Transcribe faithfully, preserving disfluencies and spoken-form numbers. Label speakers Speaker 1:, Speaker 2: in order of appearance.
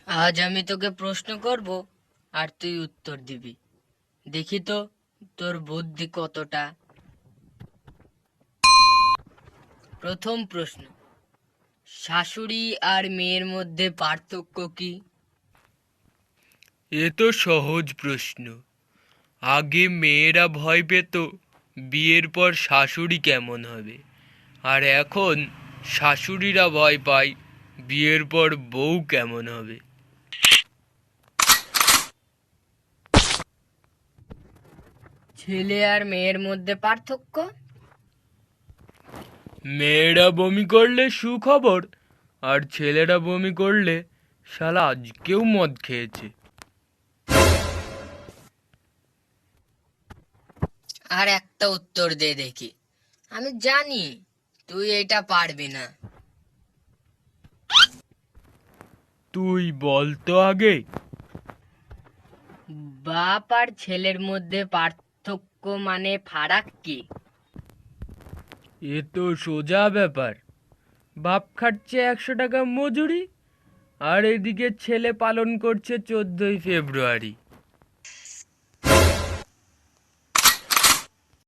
Speaker 1: আজ আমি তোকে প্রশ্ন করব আর তুই উত্তর দিবি। দেখি তো তোর বুদ্ধি কতটা। প্রথম প্রশ্ন, শাশুড়ি আর মেয়ের মধ্যে পার্থক্য কি?
Speaker 2: এ তো সহজ প্রশ্ন। আগে মেয়েরা ভয় পেত বিয়ের পর শাশুড়ি কেমন হবে, আর এখন শাশুড়িরা ভয় পায় বিয়ের পর বউ কেমন হবে।
Speaker 1: ছেলে আর মেয়ের মধ্যে পার্থক্য?
Speaker 2: মেয়েরা বমি করলে সুখবর, আর ছেলেরা বমি করলে শালা আজকেও মদ খেয়েছে।
Speaker 1: আর একটা উত্তর দে দেখি, আমি জানি তুই এটা পারবি না।
Speaker 2: তুই বল তো আগে।
Speaker 1: বাপ আর ছেলের মধ্যে পার্থক্য মানে ফারাক কি?
Speaker 2: এ তো সোজা ব্যাপার। বাপ খাটছে একশো টাকা মজুরি, আর এদিকে ছেলে পালন করছে চোদ্দই ফেব্রুয়ারি।